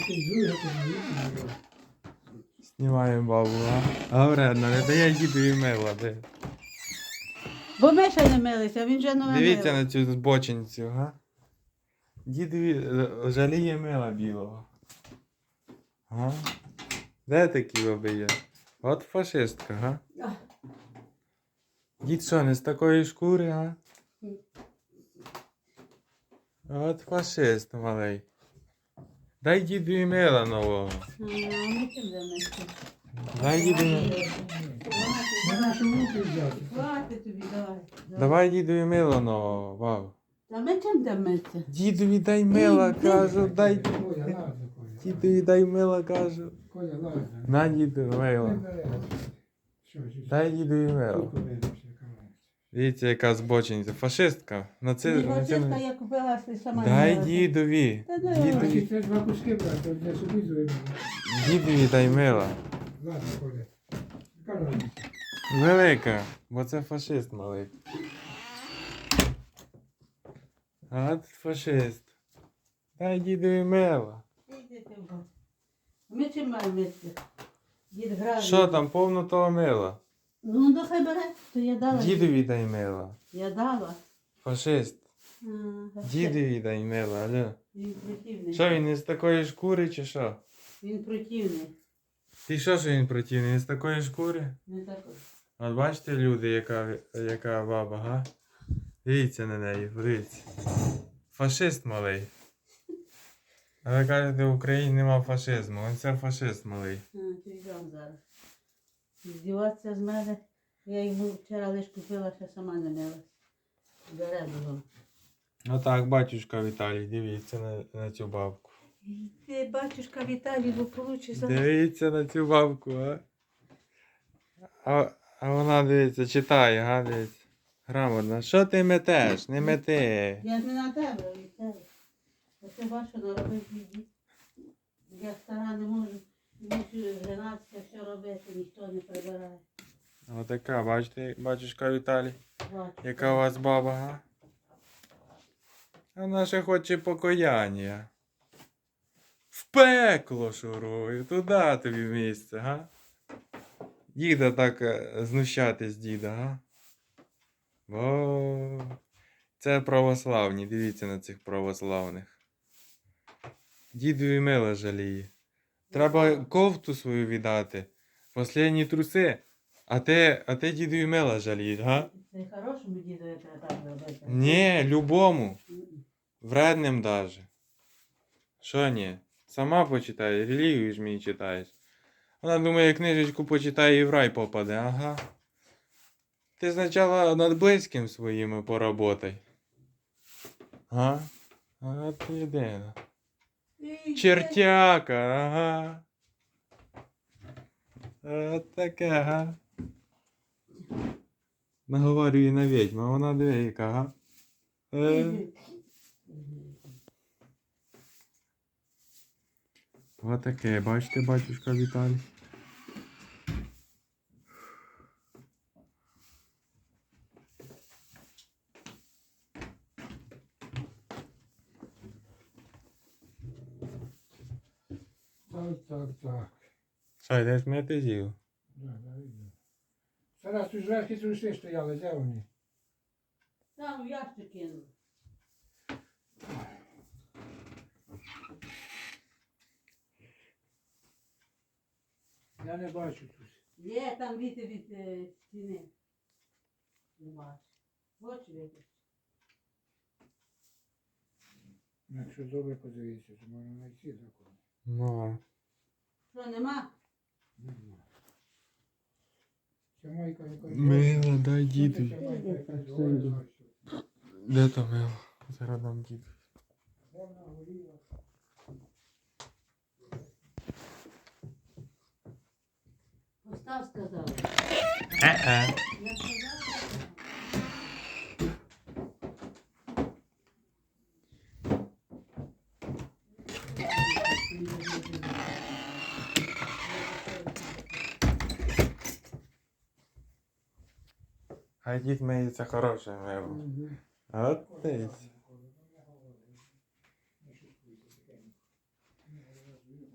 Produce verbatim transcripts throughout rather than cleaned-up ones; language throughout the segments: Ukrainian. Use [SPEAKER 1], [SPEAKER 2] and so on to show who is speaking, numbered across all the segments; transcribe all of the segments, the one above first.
[SPEAKER 1] Знімаємо бабу, а? А вредно, не дає дідові мила, де.
[SPEAKER 2] Бо ми ще не милися, він вже не
[SPEAKER 1] Дивіться
[SPEAKER 2] милий.
[SPEAKER 1] на цю збочинцю, га? Дідові е, жаліє мила білого. Га? Де такі баби є? От фашистка, га? Дід що, не з такої шкури, га? От фашист малий. Дай дідові мила нового.
[SPEAKER 2] А, ми чим дамо?
[SPEAKER 1] Дай дідові.
[SPEAKER 3] На нашу руки взяти.
[SPEAKER 2] Хватить тобі, давай.
[SPEAKER 1] Давай дідові мила нового, бабу.
[SPEAKER 2] Та ми чим дамося?
[SPEAKER 1] Дідові дай мила, кажу, дай.
[SPEAKER 3] Коля, ладно, Коля.
[SPEAKER 1] Дідові дай мила, кажу.
[SPEAKER 3] Коля, ладно.
[SPEAKER 1] На дідові
[SPEAKER 3] Не
[SPEAKER 1] мила.
[SPEAKER 3] бере. Що, що, що?
[SPEAKER 1] Дай дідові мила.
[SPEAKER 3] Тут подивимося, камера.
[SPEAKER 1] Дивіться, яка збочинця. Фашистка. На це,
[SPEAKER 2] Ні,
[SPEAKER 1] на це...
[SPEAKER 2] Василька, я купила, ти сама не
[SPEAKER 1] Дай
[SPEAKER 2] милася.
[SPEAKER 1] дідові.
[SPEAKER 2] Та дай.
[SPEAKER 3] Значить,
[SPEAKER 1] Дідові.
[SPEAKER 3] це два куски брати, для собі зробимо.
[SPEAKER 1] Дідові дай мила.
[SPEAKER 3] Ладно, Коля. Камера.
[SPEAKER 1] Велика, бо це фашист малий. От фашист. Дай дідові мила.
[SPEAKER 2] Ідіть в бок. Ми чим маємо мити? Дід грає.
[SPEAKER 1] Що там, повно того мила?
[SPEAKER 2] Ну, то хай бере, то я дала.
[SPEAKER 1] Дідові дай мила.
[SPEAKER 2] Я дала.
[SPEAKER 1] Фашист.
[SPEAKER 2] А,
[SPEAKER 1] Дідові дай мила, алло.
[SPEAKER 2] Він противний.
[SPEAKER 1] Що, він із такої шкури чи що?
[SPEAKER 2] Він противний.
[SPEAKER 1] Ти що, що він противний? Він з такої шкури?
[SPEAKER 2] Не такий.
[SPEAKER 1] От бачите, люди, яка, яка баба, га? Дивіться на неї, подивіться. Фашист малий. А ви кажете, в Україні нема фашизму. Він це фашист малий.
[SPEAKER 2] А, ти йдем зараз. Здіватися з мене. Я йому вчора лиш купила, ще сама не милась. Бере його.
[SPEAKER 1] Отак, батюшка Віталій, дивіться на, на цю бабку.
[SPEAKER 2] Ти, батюшка Віталій, бо получиш за...
[SPEAKER 1] Дивіться на цю бабку, а? А, а вона, дивіться, читає, га, дивіться. Грамотно. Що ти метеш? Не мети.
[SPEAKER 2] Я не на тебе, Віталій. А ти бачиш, що наробив біді. Я стара не можу. Мушу женатися, все робити, ніхто не прибирає.
[SPEAKER 1] Отака, бачите, батюшка Віталій.
[SPEAKER 2] Бачу.
[SPEAKER 1] Яка у вас баба, га? Вона ще хоче покаяння. В пекло шурую, туди тобі місце, га? Діда так е, знущатись, діда, га? Бо це православні, дивіться на цих православних. Дідові мила жаліє. Треба кофту свою віддати. Послідні труси. А ти, а ти дідові мила жалієш, га?
[SPEAKER 2] Це хорошому дідові треба так робити.
[SPEAKER 1] Ні, любому.
[SPEAKER 2] М-м.
[SPEAKER 1] Вредним даже. Що ні? Сама почитай, релігію ж мені читаєш. Вона думає, книжечку почитає і в рай попаде, ага. Ти спочатку над близьким своїми поработай. А? А ти єдина. Чертяка, ага. От таке, ага. Наговорює на відьму, а вона диви, яка, ага. Е. Отаке, бачите, батюшка Віталій.
[SPEAKER 3] Так, так, так.
[SPEAKER 1] Що, йдеш мити з'їв?
[SPEAKER 3] Да, да, видно. Зараз тут зверху труси стояли, де вони?
[SPEAKER 2] Там в ящик кинув.
[SPEAKER 3] Я не бачу тут.
[SPEAKER 2] Є там віти від е, стіни. Не бачу. Очі вийти.
[SPEAKER 3] Якщо добре подивитися, то можна знайти закон.
[SPEAKER 1] Ну.
[SPEAKER 2] Що, нема?
[SPEAKER 3] Нема. Це майка якась.
[SPEAKER 1] Мила, дай
[SPEAKER 3] Це
[SPEAKER 1] діду.
[SPEAKER 3] майка якась гола.
[SPEAKER 1] Де то мило? Зараз дам діду.
[SPEAKER 3] Вона горіла.
[SPEAKER 2] Постав, сказав.
[SPEAKER 1] Е-е.
[SPEAKER 2] Я сказав.
[SPEAKER 1] Хай дід миється хороше мило.
[SPEAKER 3] Мгм.
[SPEAKER 1] От ти.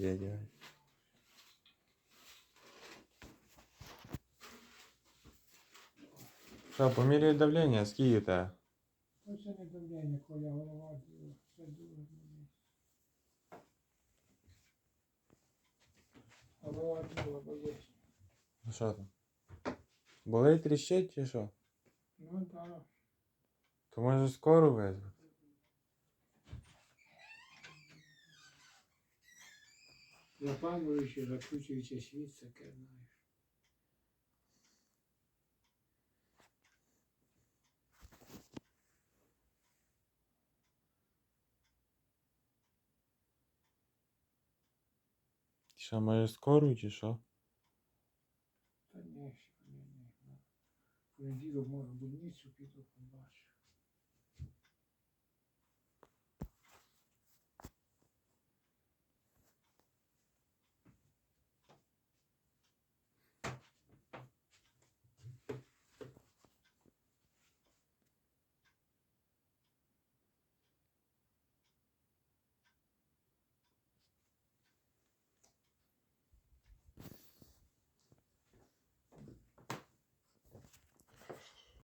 [SPEAKER 1] дядя. Що, поміряй давлення, скільки у тебе?
[SPEAKER 3] Ось це не давлення, коля голова діла. Це дуже мені. Голова діла, бо є.
[SPEAKER 1] Ну що там? Болить, тріщить чи що?
[SPEAKER 3] Ну так.
[SPEAKER 1] То може скору визвати?
[SPEAKER 3] Запалюючи, закручуючи світ, таке, знаєш.
[SPEAKER 1] Що, може скору чи що?
[SPEAKER 3] Та ні, ще ні, ні. В понеділок можу в больницю піду, побачу.